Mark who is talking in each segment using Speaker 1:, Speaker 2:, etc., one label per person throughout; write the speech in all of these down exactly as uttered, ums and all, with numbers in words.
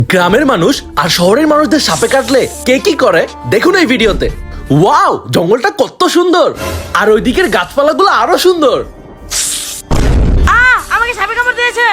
Speaker 1: গ্রামের মানুষ আর শহরের মানুষদের সাপে কাটলে কে কি করে দেখুন এই ভিডিওতে। ওয়াও, জঙ্গলটা কত সুন্দর, আর ওই দিকের গাছপালাগুলো আরো সুন্দর।
Speaker 2: আ আমাকে সাপে কামড় দিয়েছে।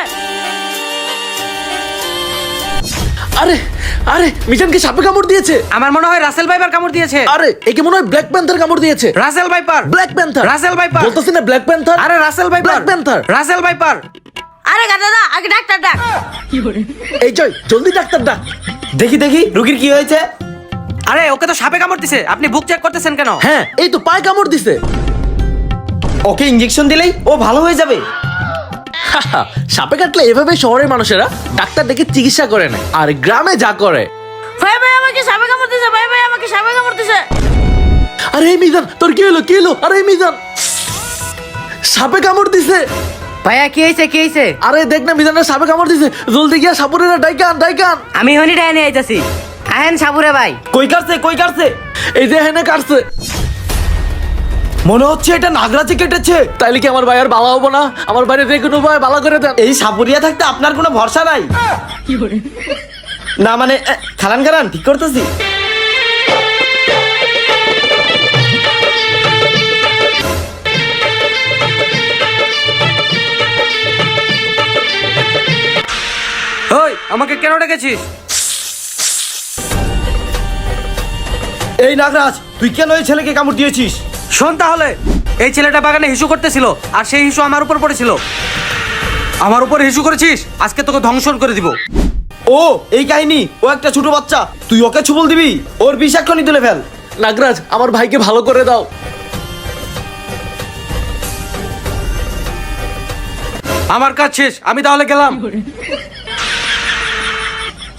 Speaker 1: আরে আরে মিজানকে সাপে কামড় দিয়েছে।
Speaker 3: আমার মনে হয় রাসেল ভাইপার কামড় দিয়েছে।
Speaker 1: আরে একে মনে হয় ব্ল্যাক প্যান্থার কামড় দিয়েছে।
Speaker 3: Russell viper,
Speaker 1: black panther,
Speaker 3: Russell viper
Speaker 1: বলতেছি না ব্ল্যাক প্যান্থার।
Speaker 3: আরে Russell viper,
Speaker 1: black panther,
Speaker 3: Russell viper.
Speaker 2: আরে গাদাদা আগে ডাক্তার ডাক।
Speaker 1: এই জয় জলদি ডাক্তার ডাক।
Speaker 4: দেখি দেখি রুগীর কি হয়েছে।
Speaker 3: আরে ওকে তো সাপে কামড় দিছে, আপনি বুক চেক করতেছেন কেন?
Speaker 1: হ্যাঁ এই তো পায়ে কামড় দিছে।
Speaker 4: ওকে ইঞ্জেকশন দিলেই ও ভালো হয়ে যাবে।
Speaker 1: হাহা, সাপে কাটলে এভাবে শহরের মানুষেরা ডাক্তার ডেকে চিকিৎসা করে না, আর গ্রামে যা করে।
Speaker 2: ভাই ভাই আমাকে সাপে কামড় দিয়েছে। ভাই ভাই আমাকে সাপে কামড় দিয়েছে।
Speaker 1: আরে এই মিজান তোর কি হলো কি হলো? আরে এই মিজান সাপে কামড় দিছে।
Speaker 3: ভাইয়া কি হয়েছে কি হয়েছে?
Speaker 1: আরে দেখ না মিজানের সাপে কামড় দিছে, জলদি গিয়া সাপুরেরা ডাইকান ডাইকান।
Speaker 3: আমি হনি ডাইনে আইতাছি। আহেন সাবুরে ভাই।
Speaker 4: কই কাটছে কই কাটছে?
Speaker 1: এই যে হেনে কাটছে।
Speaker 4: মনে হচ্ছে এটা নাগরাজে কেটেছে।
Speaker 1: তাইলে কি আমার ভাই আর বালা হবো না? আমার বাইরে যে কোনো ভাই বালা করে দেন।
Speaker 4: এই সাপুরিয়া থাকতে আপনার কোনো ভরসা নাই। না মানে এ, খালান খালান ঠিক করতেছি।
Speaker 3: ওই আমাকে কেন ডেকেছিস?
Speaker 4: এই নাগরাজ তুই কেন এই ছেলেকে কামড় দিয়েছিস?
Speaker 3: শোন তাহলে, এই ছেলেটা বাগানে হিসু করতেছিল আর সেই হিসু আমার উপর পড়েছিল। আমার উপর হিসু করেছিস, আজকে তোকে ধ্বংসন করে দিব।
Speaker 4: ও এই কাহিনী, ও একটা ছোট বাচ্চা, তুই ওকে ছুবল দিবি? ওর বিষ এক্ষুনি তুলে ফেল।
Speaker 1: নাগরাজ আমার ভাইকে ভালো করে দাও।
Speaker 3: আমার কাজ শেষ, আমি তাহলে গেলাম।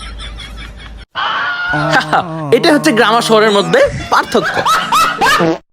Speaker 1: হাহা, এটা হচ্ছে গ্রাম আর শহরের মধ্যে পার্থক্য।